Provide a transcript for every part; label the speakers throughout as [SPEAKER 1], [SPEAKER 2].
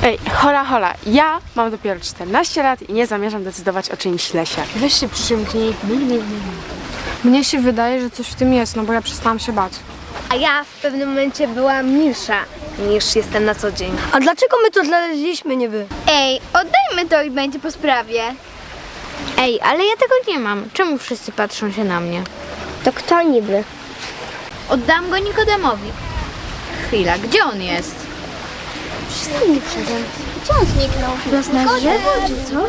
[SPEAKER 1] Ej, hola, ja mam dopiero 14 lat i nie zamierzam decydować o czyimś lesie.
[SPEAKER 2] Weź się przymknij. Mnie się wydaje, że coś w tym jest, no bo ja przestałam się bać.
[SPEAKER 3] A ja w pewnym momencie byłam milsza niż jestem na co dzień.
[SPEAKER 4] A dlaczego my to znaleźliśmy niby?
[SPEAKER 3] Ej, oddajmy to i będzie po sprawie.
[SPEAKER 2] Ej, ale ja tego nie mam. Czemu wszyscy patrzą się na mnie?
[SPEAKER 3] To kto niby?
[SPEAKER 2] Oddam go Nikodemowi. Chwila, gdzie on jest?
[SPEAKER 3] Przestań przede mną. Gdzie on zniknął?
[SPEAKER 2] Wrosnę drzewo czy coś?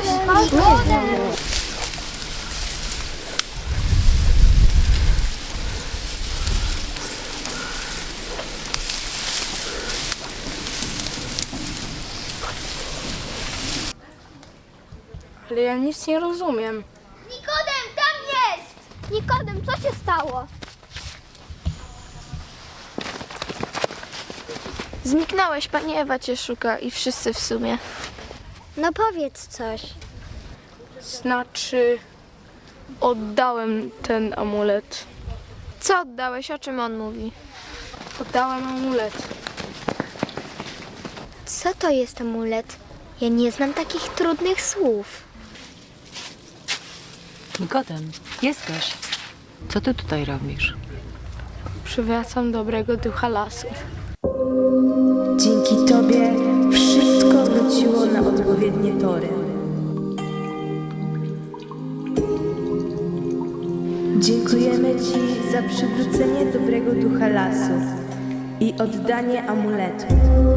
[SPEAKER 1] Ale ja nic nie rozumiem.
[SPEAKER 3] Nikodem, tam jest! Nikodem, co się stało?
[SPEAKER 2] Zniknąłeś, pani Ewa cię szuka i wszyscy w sumie.
[SPEAKER 3] No powiedz coś.
[SPEAKER 1] Znaczy, oddałem ten amulet.
[SPEAKER 2] Co oddałeś? O czym on mówi?
[SPEAKER 1] Oddałem amulet.
[SPEAKER 3] Co to jest amulet? Ja nie znam takich trudnych słów.
[SPEAKER 5] Nikodem, jesteś. Co ty tutaj robisz?
[SPEAKER 1] Przywracam dobrego ducha lasu.
[SPEAKER 6] Dzięki Tobie wszystko wróciło na odpowiednie tory. Dziękujemy Ci za przywrócenie dobrego ducha lasu i oddanie amuletu.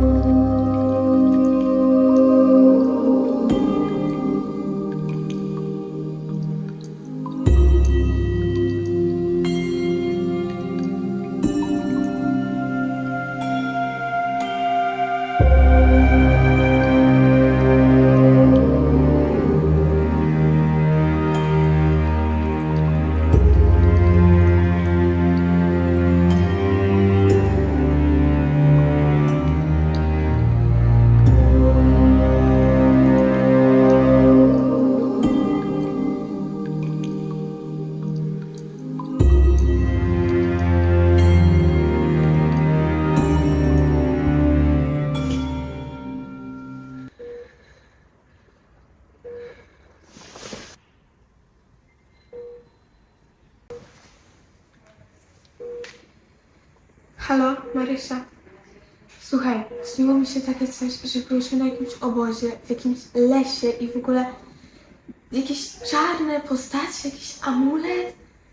[SPEAKER 7] Halo, Marysia. Słuchaj, śniło mi się takie coś, że byliśmy na jakimś obozie, w jakimś lesie i w ogóle jakieś czarne postacie, jakiś amulet,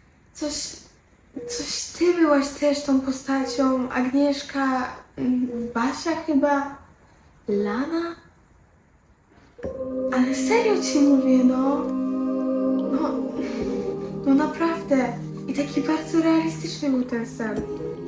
[SPEAKER 7] coś ty byłaś też tą postacią, Agnieszka, Basia chyba, Lana? Ale serio ci mówię, no naprawdę. I taki bardzo realistyczny był ten sen.